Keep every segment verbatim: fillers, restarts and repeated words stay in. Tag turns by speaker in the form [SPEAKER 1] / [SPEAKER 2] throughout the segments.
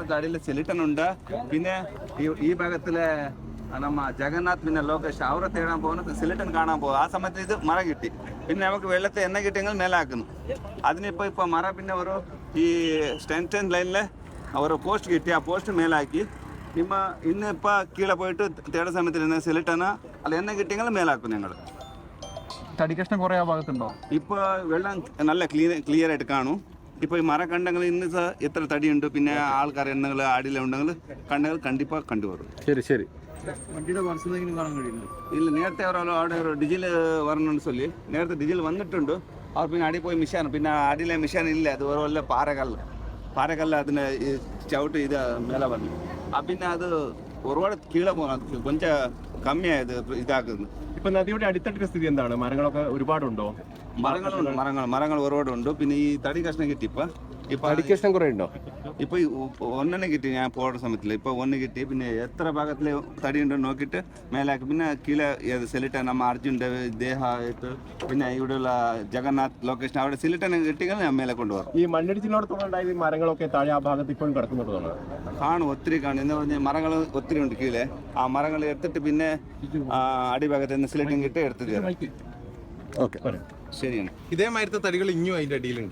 [SPEAKER 1] ഭാഗത്ത് അടിയിൽ സിലിട്ടൺ ഉണ്ട്. പിന്നെ ഈ ഭാഗത്തിലെ നമ്മ ജഗന്നാഥ് പിന്നെ ലോകേഷ് അവരെ തേടാൻ പോകുന്നത് സിലിട്ടൺ കാണാൻ പോകും. ആ സമയത്ത് ഇത് മഴ കിട്ടി. പിന്നെ നമുക്ക് വെള്ളത്തെ എണ്ണ കിട്ടിയെങ്കിൽ മേലാക്കുന്നു. അതിനിപ്പോൾ ഇപ്പോൾ മഴ പിന്നെ ഒരു ഈ ടെൻഷൻ ലൈനിൽ ഒരു പോസ്റ്റ് കിട്ടി. ആ പോസ്റ്റ് മേലാക്കി ನಿಮ್ಮ ಇನ್ನಿപ്പോൾ കീഴെ പോയിട്ട് തേട സമയത്ത് സിലിട്ടണ അല്ല എണ്ണ കിട്ടിയെങ്കിൽ മേലാക്കും ഞങ്ങൾ.
[SPEAKER 2] തടി കഷ്ണം കുറേ ആ ഭാഗത്തുണ്ടോ?
[SPEAKER 1] ഇപ്പോൾ വെള്ളം നല്ല ക്ലീൻ ക്ലിയർ ആയിട്ട് കാണും. ഇപ്പോൾ ഈ മര കണ്ടെങ്കിൽ ഇന്ന് എത്ര തടിയുണ്ട് പിന്നെ ആൾക്കാർ എണ്ണകൾ ആടിലുണ്ടെങ്കിൽ കണ്ടെങ്കിൽ കണ്ടിപ്പാ കണ്ടുവരും.
[SPEAKER 2] ശരി ശരി.
[SPEAKER 3] വണ്ടിയുടെ വർഷത്തെങ്കിലും കാണാൻ കഴിയുന്നു.
[SPEAKER 1] ഇല്ല, നേരത്തെ അവരോ അവിടെ ഒരു ഡിജിൽ വരണമെന്ന് ചൊല്ലി നേരത്തെ ഡിജിൽ വന്നിട്ടുണ്ട്. അവർ പിന്നെ അടി പോയി മിഷാൻ പിന്നെ അടിയിലെ മിഷാൻ ഇല്ല. അത് ഒരു വല്ല പാറകല്ല് പാറകല്ല് അതിന് ചവിട്ട് ഇത് മേലെ വന്നു. ആ പിന്നെ അത് ഒരുപാട് കീഴെ പോകാൻ കൊഞ്ച കമ്മിയായത് ഇതാക്കുന്നു.
[SPEAKER 2] ഇപ്പൊ നദിയുടെ അടിത്തട്ടിന്റെ സ്ഥിതി എന്താണ്? മരങ്ങളൊക്കെ ഒരുപാടുണ്ടോ?
[SPEAKER 1] മരങ്ങളുണ്ട്, മരങ്ങൾ മരങ്ങൾ ഒരുപാടുണ്ട്. പിന്നെ ഈ തടി കഷ്ണം കിട്ടി. ഇപ്പൊ ഇപ്പൊ
[SPEAKER 2] തടി കഷ്ണം കുറേ ഉണ്ടോ?
[SPEAKER 1] ഇപ്പൊ ഒന്നെണ്ണം കിട്ടി ഞാൻ പോകുന്ന സമയത്തില്. ഇപ്പൊ ഒന്ന് കിട്ടി. പിന്നെ എത്ര ഭാഗത്തില് തടി ഉണ്ടോ നോക്കിയിട്ട് മേലാക്കി പിന്നെ കീഴെ സിലിട്ടൻ നമ്മ അർജുൻ്റെ ദേഹമായിട്ട് പിന്നെ ഇവിടെയുള്ള ജഗന്നാഥ് ലൊക്കേഷൻ അവിടെ സിലിട്ടൻ കിട്ടിയാൽ ഞാൻ മേലെ കൊണ്ടുപോകും.
[SPEAKER 2] ഈ മണ്ണിടിച്ചിലോടത്തോളം ഉണ്ടായത് മരങ്ങളൊക്കെ താഴെ ആ ഭാഗത്ത് ഇപ്പോഴും കിടക്കുന്നുണ്ടോ?
[SPEAKER 1] കാണും, ഒത്തിരി കാണും. എന്ന് പറഞ്ഞാൽ മരങ്ങൾ ഒത്തിരി ഉണ്ട് കീഴെ. ആ മരങ്ങൾ എടുത്തിട്ട് പിന്നെ അടിഭാഗത്ത് നിന്ന് സിലിട്ടൻ കിട്ടി എടുത്തു തരാം.
[SPEAKER 2] ഓക്കെ,
[SPEAKER 1] ശരിയാണ്.
[SPEAKER 4] ഇതേമാതിരത്തെ തടികൾ ഇനിയും അതിന്റെ അടിയിലുണ്ട്.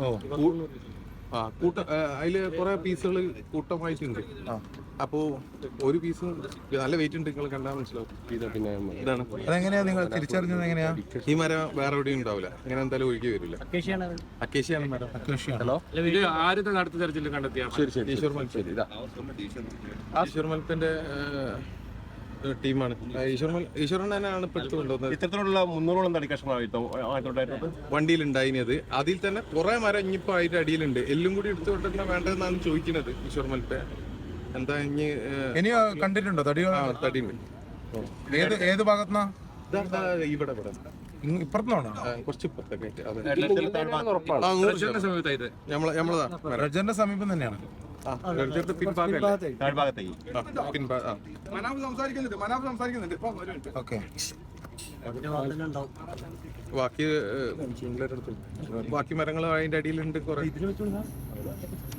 [SPEAKER 4] ആ കൂട്ട അതില് കുറെ പീസുകൾ കൂട്ടമായിട്ടുണ്ട്. അപ്പോ ഒരു പീസ് നല്ല വെയിറ്റ് ഉണ്ട്. നിങ്ങൾ കണ്ടാൽ മനസ്സിലാവും. പിന്നെ ഇതാണ്.
[SPEAKER 3] അതെങ്ങനെയാ നിങ്ങൾ തിരിച്ചറിഞ്ഞത്? എങ്ങനെയാ?
[SPEAKER 4] ഈ മരം വേറെ എവിടെയും ഉണ്ടാവില്ല. ഇങ്ങനെ എന്തായാലും ഒഴുകി വരില്ല. അക്കേഷ്യാണ് മരം.
[SPEAKER 2] ഹലോ,
[SPEAKER 5] ഇത് ആദ്യത്തെ നടത്തി തെരച്ചിൽ കണ്ടെത്തിയ
[SPEAKER 2] ശരി ശരി.
[SPEAKER 4] ഈശ്വർ മൽപ്പന്റെ ഈശ്വർ മൽപ്പന്റെ ടീമാണ്. ഈശ്വർ ഈശ്വരൻ തന്നെയാണ് ഇപ്പൊ എടുത്തു കൊണ്ടുവന്നത്.
[SPEAKER 2] ഇത്തരത്തിലുള്ള മുന്നൂറോളം തടി കഷ്ണമായിരുന്നു
[SPEAKER 4] വണ്ടിയിലുണ്ടായിരുന്നത്. അതിൽ തന്നെ കുറെ മരം ഇനിയിപ്പോ അതിന്റെ അടിയിലുണ്ട്. എല്ലും കൂടി എടുത്തു കൊണ്ടുവരുന്ന വേണ്ടതെന്നാണ് ചോദിക്കുന്നത് ഈശ്വർ മൽപ്പ. എന്താ ഇനി
[SPEAKER 3] ഇനിയോ കണ്ടിട്ടുണ്ടോ തടികൾ?
[SPEAKER 4] തടിയുണ്ട്.
[SPEAKER 3] ഏത് ഏത് ഭാഗത്തുനിന്നാ?
[SPEAKER 4] ഇവിടെ ഇവിടെ
[SPEAKER 3] ഇപ്പുറത്തുനിന്നാണോ?
[SPEAKER 4] കുറച്ച് ഇപ്പുറത്തൊക്കെ ആയിട്ട്.
[SPEAKER 5] സമയത്തായിട്ട്
[SPEAKER 3] റജന്റെ സമീപം തന്നെയാണ്. ഓക്കെ.
[SPEAKER 4] ബാക്കി ബാക്കി മരങ്ങൾ അതിന്റെ അടിയിലുണ്ട് കുറെ.